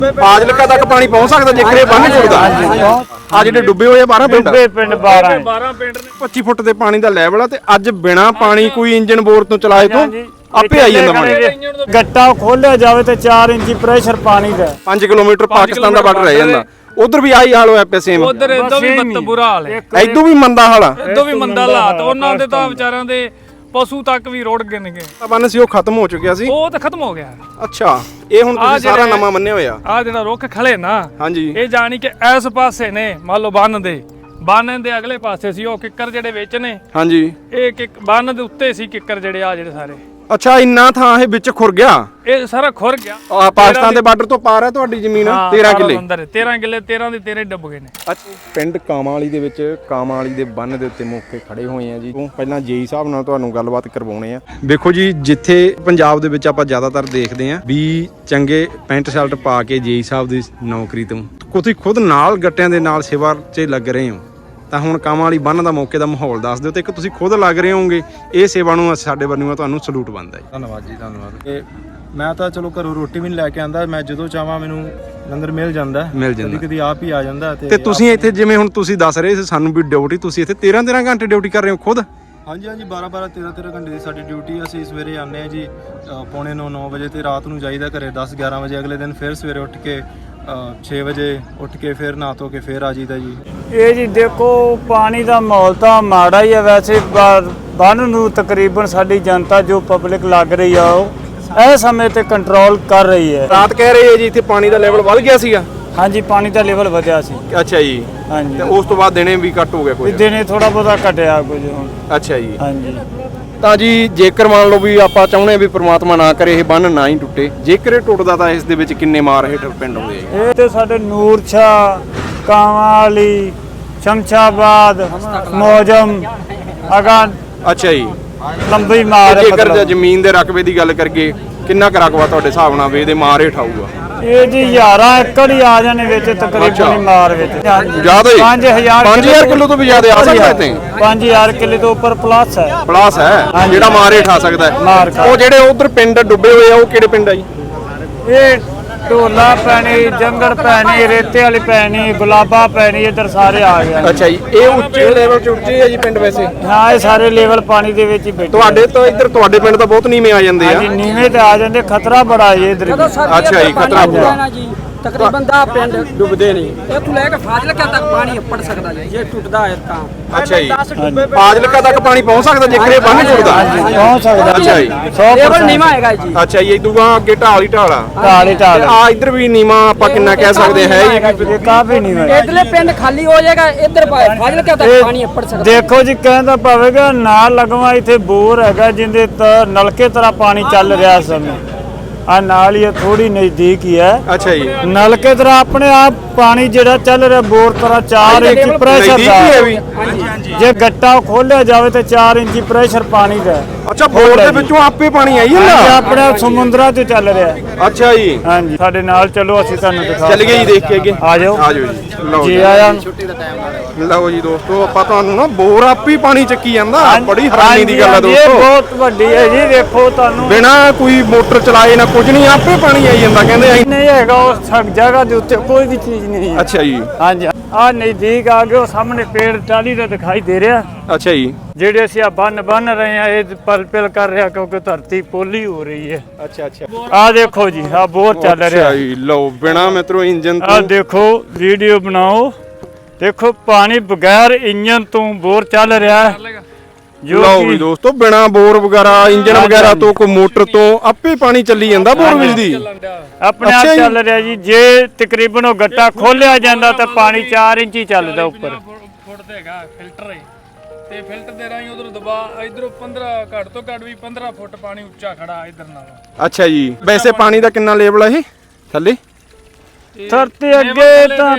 ਫਾਜ਼ਿਲਕਾ ਤੱਕ ਪਾਣੀ ਪਹੁੰਚ ਸਕਦਾ ਜੇਕਰ ਇਹ ਬੰਨ ਟੁੱਟਦਾ। ਆ ਜਿਹੜੇ ਡੁੱਬੇ ਹੋਏ 12 ਪਿੰਡ 12 ਪਿੰਡ ਨੇ 25 ਫੁੱਟ ਦੇ ਪਾਣੀ ਦਾ ਲੈਵਲ ਆ ਤੇ ਅੱਜ ਬਿਨਾ ਪਾਣੀ ਕੋਈ ਇੰਜਨ ਬੋਰ ਤੋਂ ਚਲਾਏ ਤੋਂ ਆਪੇ ਆਈ ਜਾਂਦਾ ਪਾਣੀ। ਗੱਟਾ ਖੋਲਿਆ ਜਾਵੇ ਤੇ 4 ਇੰਚੀ ਪ੍ਰੈਸ਼ਰ ਪਾਣੀ ਦਾ 5 ਕਿਲੋਮੀਟਰ ਪਾਕਿਸਤਾਨ ਦਾ ਬਾਰਡਰ ਰਹਿ ਜਾਂਦਾ। ਉਧਰ ਵੀ ਆਹੀ ਹਾਲ ਹੋਇਆ ਪਿਆ ਸੇਮ। ਉਧਰ ਇਦੋਂ ਵੀ ਬੁਰਾ ਹਾਲ ਹੈ, ਇਦੋਂ ਵੀ ਮੰਦਾ ਹਾਲ ਆ, ਇਦੋਂ ਵੀ ਮੰਦਾ ਹਾਲਾਤ। ਉਹਨਾਂ ਦੇ ਤਾਂ ਵਿਚਾਰਿਆਂ ਦੇ ਪਸ਼ੂ ਤੱਕ ਵੀ ਰੋੜ ਗਏ ਨੇਗੇ। ਬੰਨ ਸੀ ਉਹ ਖਤਮ ਹੋ ਚੁੱਕਿਆ ਸੀ, ਉਹ ਤਾਂ ਖਤਮ ਹੋ ਗਿਆ। ਅੱਛਾ ਇਹ ਹੁਣ ਤੁਸੀਂ ਸਾਰਾ ਨਵਾਂ ਮੰਨਿਆ ਹੋਇਆ। ਆ ਜਿਹੜਾ ਰੁੱਖ ਖਲੇ ਨਾ, ਹਾਂਜੀ ਇਹ ਜਾਣੀ ਕਿ ਇਸ ਪਾਸੇ ਨੇ, ਮੰਨ ਲਓ ਬੰਨ ਦੇ ਅਗਲੇ ਪਾਸੇ ਸੀ ਉਹ ਕਿੱਕਰ ਜਿਹੜੇ ਵਿੱਚ ਨੇ। ਹਾਂਜੀ ਇਹ ਬੰਨ ਦੇ ਉੱਤੇ ਸੀ ਕਿੱਕਰ ਜਿਹੜੇ ਆ ਜਿਹੜੇ ਸਾਰੇ। ਅੱਛਾ ਇੰਨਾ ਥਾਂ ਇਹ ਵਿੱਚ ਖੁਰ ਗਿਆ, ਇਹ ਸਾਰਾ ਖੁਰ ਗਿਆ। ਪਾਕਿਸਤਾਨ ਦੇ ਬਾਰਡਰ ਤੋਂ ਪਾਰ ਹੈ ਤੁਹਾਡੀ ਜ਼ਮੀਨ 13 ਕਿੱਲੇ। 13 ਕਿੱਲੇ 13 ਦੇ 13 ਡੁੱਬ ਗਏ ਨੇ। ਪਿੰਡ ਕਾਮਾਂ ਵਾਲੀ ਦੇ ਵਿੱਚ ਕਾਮਾਂ ਵਾਲੀ ਦੇ ਬੰਨ ਦੇ ਉੱਤੇ ਮੌਕੇ ਖੜੇ ਹੋਏ ਆ ਜੀ। ਪਹਿਲਾਂ ਜੇਈ ਸਾਹਿਬ ਨਾਲ ਤੁਹਾਨੂੰ ਗੱਲਬਾਤ ਕਰਵਾਉਣੇ ਆ। ਦੇਖੋ ਜੀ ਜਿੱਥੇ ਪੰਜਾਬ ਦੇ ਵਿੱਚ ਆਪਾਂ ਜ਼ਿਆਦਾਤਰ ਦੇਖਦੇ ਆ ਵੀ ਚੰਗੇ ਪੈਂਟ ਸ਼ਰਟ ਪਾ ਕੇ ਜੇਈ ਸਾਹਿਬ ਦੀ ਨੌਕਰੀ ਤੋਂ ਤੁਸੀਂ ਖੁਦ ਨਾਲ ਗੱਟਿਆਂ ਦੇ ਨਾਲ ਸੇਵਾ 'ਚ ਲੱਗ ਰਹੇ ਹੋ, ਤਾਂ ਹੁਣ ਕਾਮਾਂ ਵਾਲੀ ਬੰਨ ਦਾ ਮੌਕੇ ਦਾ ਮਾਹੌਲ ਦੱਸ ਦਿਓ। ਤੇ ਇੱਕ ਤੁਸੀਂ ਖੁਦ ਲੱਗ ਰਹੇ ਹੋਗੇ, ਇਹ ਸੇਵਾ ਨੂੰ ਸਾਡੇ ਵੱਲੋਂ ਤੁਹਾਨੂੰ ਸਲੂਟ ਬਣਦਾ ਹੈ। ਧੰਨਵਾਦ ਜੀ, ਧੰਨਵਾਦ। ਇਹ ਮੈਂ ਤਾਂ ਚਲੋ ਘਰੋਂ ਰੋਟੀ ਵੀ ਨਹੀਂ ਲੈ ਕੇ ਆਂਦਾ, ਮੈਂ ਜਦੋਂ ਚਾਹਾਂ ਮੈਨੂੰ ਲੰਗਰ ਮਿਲ ਜਾਂਦਾ। ਕਦੀ ਆਪ ਹੀ ਆ ਜਾਂਦਾ। ਤੇ ਤੁਸੀਂ ਇੱਥੇ ਜਿਵੇਂ ਹੁਣ ਤੁਸੀਂ ਦੱਸ ਰਹੇ ਸੀ ਸਾਨੂੰ ਵੀ ਡਿਊਟੀ, ਤੁਸੀਂ ਇੱਥੇ 13 ਘੰਟੇ ਡਿਊਟੀ ਕਰ ਰਹੇ ਹੋ ਖੁਦ? ਹਾਂਜੀ 12 13 ਘੰਟੇ ਦੀ ਸਾਡੀ ਡਿਊਟੀ। ਅਸੀਂ ਸਵੇਰੇ ਆਉਂਦੇ ਹਾਂ ਜੀ ਪੌਣੇ 9 ਵਜੇ ਤੇ ਰਾਤ ਨੂੰ ਜਾਈਦਾ ਘਰੇ 10 11 ਵਜੇ। ਅਗਲੇ ਦਿਨ ਫਿਰ ਸਵੇਰੇ ਉੱਠ ਕੇ 6 ਵਜੇ ਉੱਠ ਕੇ ਫਿਰ ਨਹਾ ਧੋ ਕੇ ਫਿਰ ਆ ਜਾਈਦਾ ਜੀ। ਇਹ ਜੀ ਦੇਖੋ ਪਾਣੀ ਦਾ ਮਾਹੌਲ ਤਾਂ ਮਾੜਾ ਹੀ ਹੈ ਵੈਸੇ। ਬੰਨ ਨੂੰ ਤਕਰੀਬਨ ਸਾਡੀ ਜਨਤਾ ਜੋ ਪਬਲਿਕ ਲੱਗ ਰਹੀ ਆ ਉਹ ਇਹ ਸਮੇਂ ਤੇ ਕੰਟਰੋਲ ਕਰ ਰਹੀ ਹੈ। ਰਾਤ ਕਹਿ ਰਹੇ ਜੀ ਇੱਥੇ ਪਾਣੀ ਦਾ ਲੈਵਲ ਵੱਧ ਗਿਆ ਸੀਗਾ। ਹਾਂਜੀ ਪਾਣੀ ਦਾ ਲੈਵਲ ਵਧਿਆ ਸੀ। ਅੱਛਾ ਜੀ। ਹਾਂਜੀ ਤੇ ਉਸ ਤੋਂ ਬਾਅਦ ਦਿਨੇ ਵੀ ਘੱਟ ਹੋ ਗਿਆ ਕੋਈ? ਦਿਨੇ ਥੋੜਾ ਬਹੁਤਾ ਘਟਿਆ ਕੁਝ ਹੁਣ। ਅੱਛਾ ਜੀ। ਹਾਂਜੀ ਤਾਂ ਜੀ ਜੇਕਰ ਮੰਨ ਲਓ ਵੀ ਆਪਾਂ ਚਾਹੁੰਦੇ ਵੀ ਪ੍ਰਮਾਤਮਾ ਨਾ ਕਰੇ ਇਹ ਬੰਨ ਨਾ ਹੀ ਟੁੱਟੇ, ਜੇਕਰ ਇਹ ਟੁੱਟਦਾ ਤਾਂ ਇਸ ਦੇ ਵਿੱਚ ਕਿੰਨੇ ਮਾਰ ਹੇਠ ਪਿੰਡ ਆਉਂਦੇ ਆ? ਇਹ ਤੇ ਸਾਡੇ ਨੂਰਸ਼ਾ, ਕਾਂਵਾਲੀ, ਸ਼ਮਸ਼ਾਬਾਦ, ਮੌਜਮ ਅਗਾ। ਅੱਛਾ ਜੀ। ਲੰਬੀ ਮਾਰ ਹੈ। ਜੇਕਰ ਜ਼ਮੀਨ ਦੇ ਰਕਬੇ ਦੀ ਗੱਲ ਕਰੀਏ ਕਿੰਨਾ ਕੁ ਰਕਬਾ ਤੁਹਾਡੇ ਹਿਸਾਬ ਨਾਲ ਵੀ ਇਹਦੇ ਮਾਰ ਹੇਠ ਆਊਗਾ? ਇਹ ਜੀ 11 ਏਕੜ ਹੀ ਆ ਜਾਣੇ ਵਿੱਚ ਤਕਰੀਬਨ ਮਾਰ ਵਿੱਚ। ਜ਼ਿਆਦਾ ਹੀ 5000 ਕਿਲੋ ਤੋਂ ਵੀ ਜ਼ਿਆਦਾ ਆ ਸਕਦਾ ਤੇ 5000 ਕਿਲੋ ਤੋਂ ਉੱਪਰ ਪਲੱਸ ਹੈ। ਪਲੱਸ ਹੈ ਜਿਹੜਾ ਮਾਰ ਹੇਠ ਆ ਸਕਦਾ ਹੈ। ਉਹ ਜਿਹੜੇ ਉਧਰ ਪਿੰਡ ਡੁੱਬੇ ਹੋਏ ਆ ਉਹ ਕਿਹੜੇ ਪਿੰਡ ਆ ਜੀ? ਇਹ ਢੋਲਾ ਪੈਣੀ, ਜੰਗਲ ਪੈਣੀ, ਰੇਤੇ ਵਾਲੀ ਪੈਣੀ, ਗੁਲਾਬਾ ਪੈਣੀ, ਇੱਧਰ ਸਾਰੇ ਆ ਗਏ। ਅੱਛਾ ਜੀ। ਇਹ ਉੱਚੇ ਲੈਵਲ 'ਚ ਉੱਚੇ ਆ ਜੀ ਪਿੰਡ ਵੈਸੇ? ਹਾਂ ਇਹ ਸਾਰੇ ਲੈਵਲ ਪਾਣੀ ਦੇ ਵਿੱਚ ਹੀ ਬੈਠੇ। ਤੁਹਾਡੇ ਤੋਂ ਇੱਧਰ ਤੁਹਾਡੇ ਪਿੰਡ ਤਾਂ ਬਹੁਤ ਨੀਵੇਂ ਆ ਜਾਂਦੇ ਆ। ਹਾਂਜੀ ਨੀਵੇਂ ਤੇ ਆ ਜਾਂਦੇ, ਖਤਰਾ ਬੜਾ ਹੈ ਇੱਧਰ। ਅੱਛਾ ਜੀ ਖਤਰਾ ਪੂਰਾ। ਤਕਰੀਬਨ ਦਾ ਪਿੰਡ ਡੁੱਬਦੇ ਨੇ। ਇੱਥੋਂ ਲੈ ਕੇ ਫਾਜ਼ਿਲਕਾ ਤੱਕ ਪਾਣੀ ਉੱਪੜ ਸਕਦਾ ਜੀ ਜੇ ਟੁੱਟਦਾ ਹੈ ਤਾਂ। ਅੱਛਾ ਜੀ। ਫਾਜ਼ਿਲਕਾ ਤੱਕ ਪਾਣੀ ਪਹੁੰਚ ਸਕਦਾ ਜੇਕਰ ਇਹ ਬੰਨ ਟੁੱਟਦਾ? ਪਹੁੰਚ ਸਕਦਾ। ਅੱਛਾ ਜੀ। ਲੈਵਲ ਨੀਵਾਂ ਹੈਗਾ ਜੀ। ਅੱਛਾ ਜੀ। ਇਦੋਂ ਅੱਗੇ ਢਾਲ ਹੀ ਢਾਲ ਆ। ਢਾਲ ਹੀ ਢਾਲ। ਆ ਇੱਧਰ ਵੀ ਨੀਵਾਂ ਆਪਾਂ ਕਿੰਨਾ ਕਹਿ ਸਕਦੇ ਹੈ ਜੀ? ਕਾਫੀ ਨੀਵਾਂ। ਇਧਰਲੇ ਪਿੰਡ ਖਾਲੀ ਹੋ ਜਾਏਗਾ, ਇੱਧਰ ਫਾਜ਼ਿਲਕਾ ਤੱਕ ਪਾਣੀ ਉੱਪੜ ਸਕਦਾ। ਦੇਖੋ ਜੀ ਕਹਿੰਦਾ ਪਵੇਗਾ ਨਾਲ ਲਗਵਾ ਇੱਥੇ ਬੋਰ ਹੈਗਾ ਜਿੰਦੇ ਨਲਕੇ ਤਰ੍ਹਾਂ ਪਾਣੀ ਚੱਲ ਰਿਹਾ ਇਸ ਸਮੇਂ। ਆ ਨਾਲ ਹੀ ਥੋੜੀ ਨਜ਼ਦੀਕ ਹੀ ਹੈ। ਅੱਛਾ ਜੀ। ਨਲਕੇ ਤਰ੍ਹਾਂ ਆਪਣੇ ਆਪ ਪਾਣੀ ਜਿਹੜਾ ਚੱਲ ਰਿਹਾ ਬੋਰ ਤਰ੍ਹਾਂ 4 ਇੰਚ ਪ੍ਰੈਸ਼ਰ ਦਾ। ਜੇ ਗੱਟਾ ਖੋਲਿਆ ਜਾਵੇ ਤੇ 4 ਇੰਚੀ ਪ੍ਰੈਸ਼ਰ ਪਾਣੀ ਦਾ। ਅੱਛਾ ਬੋਰ ਦੇ ਵਿੱਚੋਂ ਆਪੇ ਪਾਣੀ ਆਈ ਜਾਂਦਾ? ਆਪਣੇ ਸਮੁੰਦਰਾਂ ਤੇ ਚੱਲ ਰਿਹਾ। ਅੱਛਾ ਜੀ। ਹਾਂਜੀ ਸਾਡੇ ਨਾਲ ਚਲੋ ਅਸੀਂ ਤੁਹਾਨੂੰ ਦਿਖਾ। ਚੱਲ ਗਏ ਜੀ ਦੇਖ ਕੇ ਅੱਗੇ। ਆ ਜਾਓ ਆ ਜਾਓ ਜੀ। ਲਓ ਜੀ ਆਇਆ। ਲਓ ਜੀ ਦੋਸਤੋ ਆਪਾਂ ਤੁਹਾਨੂੰ ਨਾ ਬੋਰ ਆਪੇ ਪਾਣੀ ਚੱਕੀ ਜਾਂਦਾ। ਬੜੀ ਹੈਰਾਨੀ ਦੀ ਗੱਲ ਹੈ ਦੋਸਤੋ। ਇਹ ਬਹੁਤ ਵੱਡੀ ਹੈ ਜੀ। ਦੇਖੋ ਤੁਹਾਨੂੰ ਬਿਨਾ ਕੋਈ ਮੋਟਰ ਚਲਾਏ ਨਾ ਕੁਝ ਨਹੀਂ ਆਪੇ ਪਾਣੀ ਆਈ ਜਾਂਦਾ ਕਹਿੰਦੇ। ਨਹੀਂ ਹੈਗਾ ਉਸ ਜਗ੍ਹਾ ਦੇ ਉੱਤੇ ਕੋਈ ਵੀ ਚੀਜ਼ ਨਹੀਂ ਹੈ। ਅੱਛਾ ਜੀ। ਹਾਂਜੀ ਆ ਨਜ਼ਦੀਕ ਆ ਗਏ। ਉਹ ਸਾਹਮਣੇ ਪੇੜ ਟਾਲੀ ਦਾ ਦਿਖਾਈ ਦੇ ਰਿਹਾ। ਅੱਛਾ ਜੀ। ਜਿਹੜੇ ਅਸੀਂ ਆ ਬੰਨ ਰਹੇ ਆ ਇਹ ਪਲ ਕਰ ਰਿਹਾ ਕਿਉਂਕਿ ਧਰਤੀ ਪੋਲੀ ਹੋ ਰਹੀ ਹੈ। ਅੱਛਾ ਅੱਛਾ। ਆ ਦੇਖੋ ਜੀ ਆ ਬੋਰ ਚੱਲ ਰਿਹਾ। ਅੱਛਾ ਜੀ। ਲਓ ਬਿਨਾ ਮਿੱਤਰੋ ਇੰਜਨ ਤੋਂ। ਆ ਦੇਖੋ ਵੀਡੀਓ ਬਣਾਓ। ਦੇਖੋ ਪਾਣੀ ਬਗੈਰ ਇੰਜਨ ਤੋਂ ਬੋਰ ਚੱਲ ਰਿਹਾ। ਲਓ ਵੀ ਦੋਸਤੋ ਬਿਨਾ ਬੋਰ ਵਗੈਰਾ ਇੰਜਨ ਵਗੈਰਾ ਤੋਂ ਕੋਈ ਮੋਟਰ ਤੋਂ ਆਪੇ ਪਾਣੀ ਚੱਲੀ ਜਾਂਦਾ ਬੋਰਵੈਲ ਦੀ। ਆਪਣੇ ਆਪ ਚੱਲ ਰਿਹਾ ਜੀ। ਜੇ ਤਕਰੀਬਨ ਉਹ ਗੱਟਾ ਖੋਲਿਆ ਜਾਂਦਾ ਤਾਂ ਪਾਣੀ 4 ਇੰਚੀ ਚੱਲਦਾ ਉੱਪਰ। ਫੁੱਟ ਤੇ ਹੈਗਾ ਫਿਲਟਰ ਤੇ ਫਿਲਟਰ ਦੇ ਰਾਹੀਂ ਉਧਰ ਦਬਾ ਇਧਰੋਂ 15 ਘੱਟ ਤੋਂ ਘੱਟ ਵੀ 15 ਫੁੱਟ ਪਾਣੀ ਉੱਚਾ ਖੜਾ ਇਧਰ ਨਾਲ। ਅੱਛਾ ਜੀ। ਵੈਸੇ ਪਾਣੀ ਦਾ ਕਿੰਨਾ ਲੈਵਲ ਹੈ ਇਹ ਥੱਲੇ? ਧਰਤੀ ਅੱਗੇ ਤਾਂ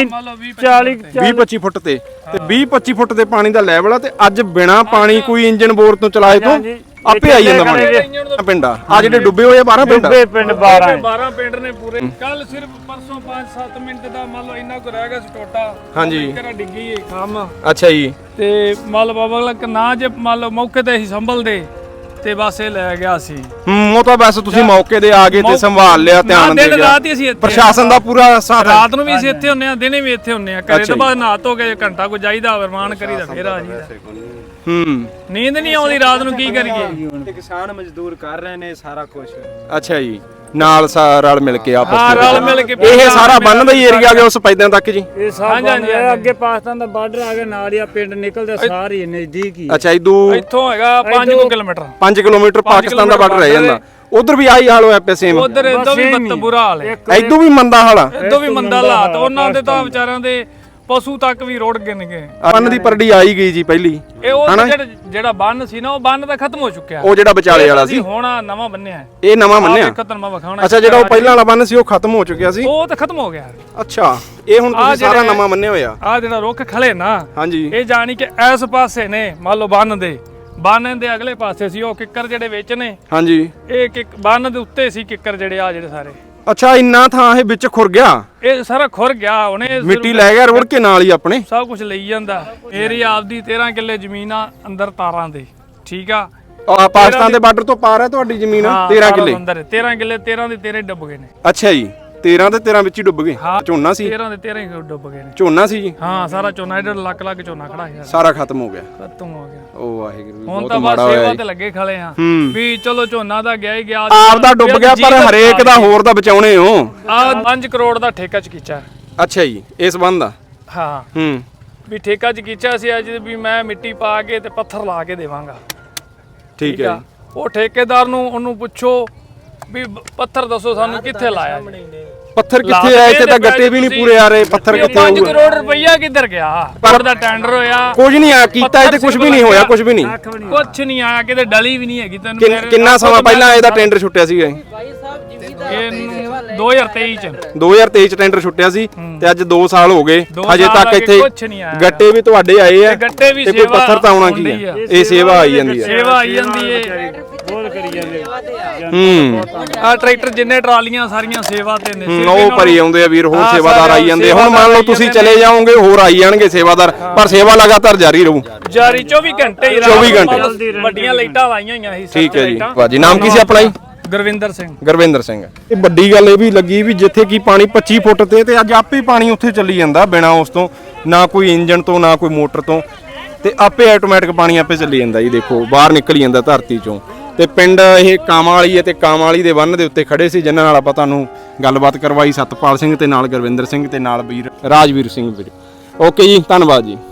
20-25 ਫੁੱਟ ਤੇ 20-25 ਫੁੱਟ ਦੇ ਪਾਣੀ ਦਾ ਲੈਵਲ ਆ। ਤੇ ਅੱਜ ਬਿਨਾ ਪਾਣੀ ਕੋਈ ਇੰਜਨ ਬੋਰ ਤੋਂ ਚਲਾਏ ਤੋਂ ਆਪੇ ਆਈ ਜਾਂਦਾ ਪਾਣੀ। ਪਿੰਡ ਆ ਜਿਹੜੇ ਡੁੱਬੇ ਹੋਏ 12 ਪਿੰਡ। 12 ਪਿੰਡ ਨੇ ਪੂਰੇ। ਕੱਲ ਸਿਰਫ ਪਰਸੋਂ 5-7 ਮਿੰਟ ਦਾ ਮੰਨ ਲਓ ਇੰਨਾ ਕੁ ਰਹਿ ਗਿਆ ਸੀ ਟੋਟਾ। ਹਾਂਜੀ। ਘਰਾਂ ਡਿੱਗੀ ਖਾਮ। ਅੱਛਾ ਜੀ। ਤੇ ਮੰਨ ਲਓ ਬਾਬਾ ਨਾ ਜੇ ਮੰਨ ਲਓ ਮੌਕੇ ਤੇ ਹੀ ਸੰਭਲਦੇ ਤੇ ਬਸ ਇਹ ਲੈ ਗਿਆ ਸੀ। ਉਹ ਤਾਂ ਬਸ ਤੁਸੀਂ ਮੌਕੇ ਤੇ ਆ ਗਏ ਤੇ ਸੰਭਾਲ ਲਿਆ, ਧਿਆਨ ਦੇ ਦਿਨ ਗਿਆ। ਰਾਤ ਹੀ ਅਸੀਂ ਇੱਥੇ ਪ੍ਰਸ਼ਾਸਨ ਦਾ ਪੂਰਾ ਸਾਥ ਹੈ। ਰਾਤ ਨੂੰ ਵੀ ਅਸੀਂ ਇੱਥੇ ਹੁੰਨੇ ਆ, ਦਿਨੇ ਵੀ ਇੱਥੇ ਹੁੰਨੇ ਆ। ਘਰੇ ਅੱਛਾ ਤੋਂ ਜੀ। ਬਾਅਦ ਨਹਾ ਧੋ ਕੇ ਘੰਟਾ ਕੋ ਜਾਈਦਾ, ਵਰਮਾਨ ਕਰੀਦਾ, ਫੇਰ ਆ ਜੀਦਾ। ਨੀਂਦ ਨਹੀਂ ਆਉਂਦੀ ਰਾਤ ਨੂੰ, ਕੀ ਕਰੀਏ। ਤੇ ਕਿਸਾਨ ਮਜ਼ਦੂਰ ਕਰ ਰਹੇ ਨੇ ਸਾਰਾ ਕੁਝ। ਅੱਛਾ ਜੀ, ਨਾਲ ਰਲ ਮਿਲ ਕੇ ਆਪਸ ਹਾਂ, ਦੇ ਰਲ ਮਿਲ ਕੇ ਇਹ ਸਾਰਾ ਬੰਨ ਦਾ ਹੀ ਏਰੀਆ ਗਿਆ ਉਸ ਪੈਦਿਆਂ ਤੱਕ ਜੀ। ਇਹ ਸਭ ਅੱਗੇ ਪਾਕਿਸਤਾਨ ਦਾ ਬਾਰਡਰ ਆ ਗਿਆ, ਨਾਲ ਹੀ ਆ ਪਿੰਡ ਨਿਕਲਦੇ ਸਾਰੇ ਨਜ਼ਦੀਕ ਹੀ। ਅੱਛਾ, ਇਦੋਂ ਇੱਥੋਂ ਹੈਗਾ 5 ਕਿਲੋਮੀਟਰ। 5 ਕਿਲੋਮੀਟਰ ਪਾਕਿਸਤਾਨ ਦਾ ਬਾਰਡਰ ਰਹਿ ਜਾਂਦਾ। ਉਧਰ ਵੀ ਆਹੀ ਹਾਲ ਹੋਇਆ ਪਿਆ ਸੇਮ। ਉਧਰ ਇਦੋਂ ਵੀ ਬੱਤ ਬੁਰਾ ਹਾਲ ਹੈ, ਇਦੋਂ ਵੀ ਮੰਦਾ ਹਾਲ ਆ। ਇਦੋਂ ਵੀ ਮੰਦਾ ਹਾਲਾਤ। ਉਹਨਾਂ ਦੇ ਤਾਂ ਵਿਚਾਰਿਆਂ ਦੇ ਪਸ਼ੂ ਤੱਕ ਵੀ ਰੁੜ ਗਏ ਨੇਗੇ। ਬੰਨ ਦੀ ਪਰੜੀ ਆਈ ਗਈ ਜੀ ਪਹਿਲੀ। ਇਹ ਉਹ ਜਿਹੜਾ ਬੰਨ ਸੀ ਨਾ, ਉਹ ਬੰਨ ਤਾਂ ਖਤਮ ਹੋ ਚੁੱਕਿਆ। ਉਹ ਜਿਹੜਾ ਵਿਚਾਲੇ ਵਾਲਾ ਸੀ, ਹੁਣ ਨਵਾਂ ਬੰਨਿਆ। ਇਹ ਨਵਾਂ ਬੰਨਿਆ। ਖਤਮ ਵਿਖਾਉਣਾ। ਅੱਛਾ, ਜਿਹੜਾ ਉਹ ਪਹਿਲਾਂ ਵਾਲਾ ਬੰਨ ਸੀ ਉਹ ਖਤਮ ਹੋ ਚੁੱਕਿਆ ਸੀ। ਉਹ ਤਾਂ ਖਤਮ ਹੋ ਗਿਆ। ਅੱਛਾ, ਇਹ ਹੁਣ ਤੁਸੀਂ ਸਾਰਾ ਨਵਾਂ ਬੰਨਿਆ ਹੋਇਆ। ਆ ਜਿਹੜਾ ਰੁੱਖ ਖਲੇ ਨਾ, ਹਾਂਜੀ, ਇਹ ਜਾਣੀ ਕਿ ਇਸ ਪਾਸੇ ਨੇ, ਮੰਨ ਲਓ ਬੰਨ ਦੇ ਅਗਲੇ ਪਾਸੇ ਸੀ ਉਹ ਕਿੱਕਰ ਜਿਹੜੇ ਵਿੱਚ ਨੇ। ਹਾਂਜੀ, ਇਹ ਬੰਨ ਦੇ ਉੱਤੇ ਸੀ ਕਿੱਕਰ ਜਿਹੜੇ ਸਾਰੇ। ਅੱਛਾ, ਇੰਨਾ ਥਾਂ ਇਹ ਵਿੱਚ ਖੁਰ ਗਿਆ, ਇਹ ਸਾਰਾ ਖੁਰ ਗਿਆ। ਉਹਨੇ ਮਿੱਟੀ ਲੈ ਗਿਆ ਰੁੜ ਕੇ ਨਾਲ ਹੀ ਆਪਣੇ। ਸਭ ਕੁਝ ਲਈ ਜਾਂਦਾ। ਮੇਰੀ ਆਪਦੀ 13 ਕਿੱਲੇ ਜ਼ਮੀਨ ਆ ਅੰਦਰ ਤਾਰਾਂ ਦੇ, ਠੀਕ ਆ। ਪਾਕਿਸਤਾਨ ਦੇ ਬਾਰਡਰ ਤੋਂ ਪਾਰ ਹੈ ਤੁਹਾਡੀ ਜ਼ਮੀਨ? 13 ਕਿੱਲੇ ਅੰਦਰ 13 ਕਿੱਲੇ, 13 ਦੇ 13 ਡੁੱਬ ਗਏ ਨੇ। ਅੱਛਾ ਜੀ, 13 ਦੇ 13 ਵਿੱਚ ਹੀ ਡੁੱਬ ਗਏ। ਝੋਨਾ ਸੀ? 13 ਦੇ 13 ਹੀ ਡੁੱਬ ਗਏ ਨੇ। ਝੋਨਾ ਸੀ ਜੀ? ਹਾਂ, ਸਾਰਾ ਝੋਨਾ, ਇਹਦਾ ਲੱਖ ਝੋਨਾ ਖੜਾ ਹੈ, ਸਾਰਾ ਖਤਮ ਹੋ ਗਿਆ। ਖਤਮ ਹੋ ਗਿਆ। ਉਹ ਵਾਹਿਗੁਰੂ, ਹੁਣ ਬਹੁਤ ਤਾਂ ਬਸ ਮਾੜਾ ਸੇਵਾ ਹੋਇਆ ਤੇ ਲੱਗੇ ਖਲੇ ਆ ਹੂੰ। ਵੀ ਚਲੋ ਝੋਨਾ ਦਾ ਗਿਆ ਹੀ ਗਿਆ, ਆਪ ਦਾ ਡੁੱਬ ਗਿਆ, ਪਰ ਹਰੇਕ ਦਾ ਹੋਰ ਦਾ ਬਚਾਉਣੇ ਹੋ। ਆ 5 ਕਰੋੜ ਦਾ ਠੇਕਾ ਚਕੀਚਾ। ਅੱਛਾ ਜੀ, ਇਸ ਬੰਦ ਦਾ? ਹਾਂ, ਵੀ ਠੇਕਾ ਚਕੀਚਾ ਸੀ ਅੱਜ ਵੀ ਮੈਂ ਮਿੱਟੀ ਪਾ ਕੇ ਤੇ ਪੱਥਰ ਲਾ ਕੇ ਦੇਵਾਂਗਾ। ਠੀਕ ਹੈ। ਉਹ ਠੇਕੇਦਾਰ ਨੂੰ ਉਹਨੂੰ ਪੁੱਛੋ ਵੀ ਪੱਥਰ ਦੱਸੋ ਸਾਨੂੰ ਕਿੱਥੇ ਲਾਇਆ ਜੀ? ਪੱਥਰ ਕਿੱਥੇ ਆ? ਇੱਥੇ ਤਾਂ ਗੱਟੇ ਵੀ ਨਹੀਂ ਪੂਰੇ ਆ ਰਹੇ। ਪੱਥਰ ਕਿੱਥੇ 5 ਕਰੋੜ ਰੁਪਈਆ ਕਿੱਧਰ ਗਿਆ? ਪਰ ਦਾ ਟੈਂਡਰ ਹੋਇਆ, ਕੁਝ ਨਹੀਂ ਆ ਕੀਤਾ, ਇਹ ਤੇ ਕੁਝ ਵੀ ਨਹੀਂ ਹੋਇਆ, ਕੁਝ ਵੀ ਨਹੀਂ, ਕੁਝ ਨਹੀਂ ਆਇਆ, ਕਿਤੇ ਡਲੀ ਵੀ ਨਹੀਂ ਹੈਗੀ। ਤੈਨੂੰ ਕਿੰਨਾ ਸਮਾਂ ਪਹਿਲਾਂ ਇਹਦਾ ਟੈਂਡਰ ਛੁੱਟਿਆ ਸੀਗਾ? ਇਹਨੂੰ 2023 ਚ 2023 ਚ ਟੈਂਡਰ ਛੁੱਟਿਆ ਸੀ ਤੇ ਅੱਜ 2 ਸਾਲ ਹੋ ਗਏ, ਹਜੇ ਤੱਕ ਇੱਥੇ ਗੱਟੇ ਵੀ ਤੁਹਾਡੇ ਆਏ ਆ ਤੇ ਕੋਈ ਪੱਥਰ ਤਾਂ ਆਉਣਾ ਕੀ ਆ? ਇਹ ਸੇਵਾ ਆਈ ਜਾਂਦੀ ਹੈ। ਸੇਵਾ ਆਈ ਜਾਂਦੀ ਹੈ, ਬਹੁਤ ਕਰੀ ਜਾਂਦੇ। ਆ ਟਰੈਕਟਰ ਜਿੰਨੇ ਟਰਾਲੀਆਂ ਸਾਰੀਆਂ ਸੇਵਾ ਤੇ ਨੇ। ਉਹ ਭਰੀ ਆਉਂਦੇ ਆ ਵੀਰ, ਹੋਰ ਸੇਵਾਦਾਰ ਆਈ ਜਾਂਦੇ। ਹੁਣ ਮੰਨ ਲਓ ਤੁਸੀਂ ਚਲੇ ਜਾਓਗੇ, ਹੋਰ ਆਈ ਜਾਣਗੇ ਸੇਵਾਦਾਰ, ਪਰ ਸੇਵਾ ਲਗਾਤਾਰ ਜਾਰੀ ਰਹੂ। ਜਾਰੀ 24 ਘੰਟੇ ਹੀ। 24 ਘੰਟੇ ਵੱਡੀਆਂ ਲਾਈਟਾਂ ਲਾਈਆਂ ਹੋਈਆਂ ਸੀ। ਠੀਕ ਹੈ ਜੀ। ਭਾਜੀ ਨਾਮ ਕੀ ਸੀ ਆਪਣਾ ਜੀ? ਗੁਰਵਿੰਦਰ ਸਿੰਘ। ਗੁਰਵਿੰਦਰ ਸਿੰਘ। ਇਹ ਵੱਡੀ ਗੱਲ ਇਹ ਵੀ ਲੱਗੀ ਵੀ ਜਿੱਥੇ ਕੀ ਪਾਣੀ 25 ਫੁੱਟ ਤੇ ਅੱਜ ਆਪੇ ਪਾਣੀ ਉੱਥੇ ਚੱਲੀ ਜਾਂਦਾ, ਬਿਨਾ ਉਸ ਤੋਂ, ਨਾ ਕੋਈ ਇੰਜਨ ਤੋਂ, ਨਾ ਕੋਈ ਮੋਟਰ ਤੋਂ, ਤੇ ਆਪੇ ਆਟੋਮੈਟਿਕ ਪਾਣੀ ਆਪੇ ਚੱਲੀ ਜਾਂਦਾ ਜੀ। ਦੇਖੋ ਬਾਹਰ ਨਿਕਲ ਜਾਂਦਾ ਧਰਤੀ ਚੋਂ। ਤੇ ਪਿੰਡ ਇਹ ਕਾਮਾਂ ਵਾਲੀ ਹੈ ਤੇ ਕਾਮਾਂ ਵਾਲੀ ਦੇ ਬੰਨ ਦੇ ਉੱਤੇ ਖੜੇ ਸੀ, ਜਿਨ੍ਹਾਂ ਨਾਲ ਆਪਾਂ ਤੁਹਾਨੂੰ ਗੱਲਬਾਤ ਕਰਵਾਈ। ਸਤਪਾਲ ਸਿੰਘ ਤੇ ਨਾਲ ਗੁਰਵਿੰਦਰ ਸਿੰਘ ਤੇ ਨਾਲ ਵੀਰ ਰਾਜਵੀਰ ਸਿੰਘ ਵੀਰ। ਓਕੇ ਜੀ, ਧੰਨਵਾਦ ਜੀ।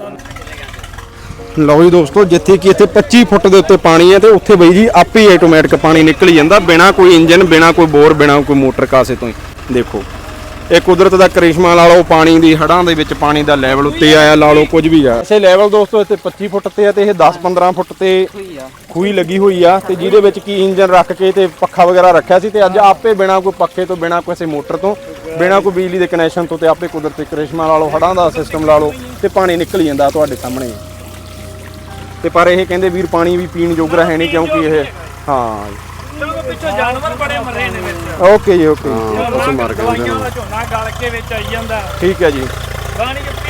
ਲਓ ਜੀ ਦੋਸਤੋ, ਜਿੱਥੇ ਕਿ ਇੱਥੇ 25 ਫੁੱਟ ਦੇ ਉੱਤੇ ਪਾਣੀ ਹੈ ਤੇ ਉੱਥੇ ਬਈ ਜੀ ਆਪੇ ਹੀ ਆਟੋਮੈਟਿਕ ਪਾਣੀ ਨਿਕਲ ਜਾਂਦਾ, ਬਿਨਾ ਕੋਈ ਇੰਜਨ, ਬਿਨਾ ਕੋਈ ਬੋਰ, ਬਿਨਾ ਕੋਈ ਮੋਟਰ ਕਾਸੇ ਤੋਂ ਹੀ। ਦੇਖੋ ਇਹ ਕੁਦਰਤ ਦਾ ਕਰਿਸ਼ਮਾ ਲਾ ਲਓ। ਪਾਣੀ ਦੀ ਹੜਾਂ ਦੇ ਵਿੱਚ ਪਾਣੀ ਦਾ ਲੈਵਲ ਉੱਤੇ ਆਇਆ ਲਾ ਲਓ, ਕੁਝ ਵੀ ਆ। ਇਸੇ ਲੈਵਲ ਦੋਸਤੋ ਇੱਥੇ 25 ਫੁੱਟ ਤੇ ਆ ਤੇ ਇਹ 10-15 ਫੁੱਟ ਤੇ ਖੂਹੀ ਲੱਗੀ ਹੋਈ ਆ, ਤੇ ਜਿਹਦੇ ਵਿੱਚ ਕੀ ਇੰਜਨ ਰੱਖ ਕੇ ਤੇ ਪੱਖਾ ਵਗੈਰਾ ਰੱਖਿਆ ਸੀ, ਤੇ ਅੱਜ ਆਪੇ ਬਿਨਾ ਕੋਈ ਪੱਖੇ ਤੋਂ, ਬਿਨਾ ਕਿਸੇ ਮੋਟਰ ਤੋਂ, ਬਿਨਾ ਕੋਈ ਬਿਜਲੀ ਦੇ ਕਨੈਕਸ਼ਨ ਤੋਂ, ਤੇ ਆਪੇ ਕੁਦਰਤੀ ਕਰਿਸ਼ਮਾ ਲਾ ਲਓ, ਹੜਾਂ ਦਾ ਸਿਸਟਮ ਲਾ ਲਓ, ਤੇ ਪਾਣੀ ਨਿਕਲ ਜਾਂਦਾ ਤੁਹਾਡੇ ਸਾਹਮਣੇ। ਤੇ ਪਰ ਇਹ ਕਹਿੰਦੇ ਵੀਰ ਪਾਣੀ ਵੀ ਪੀਣ ਜੋਗਾ ਹੈ ਨਹੀਂ, ਕਿਉਂਕਿ ਇਹ ਪਿੱਛੋਂ ਜਾਨਵਰ ਬੜੇ ਮਰੇ ਨੇ ਵਿੱਚ। ਓਕੇ ਜੀ, ਓਕੇ। ਪਸ਼ੂ ਮਾਰ ਕੇ ਝੋਨਾ ਗਲ ਕੇ ਵਿੱਚ ਆਈ ਜਾਂਦਾ। ਠੀਕ ਹੈ ਜੀ। ਪਾਣੀ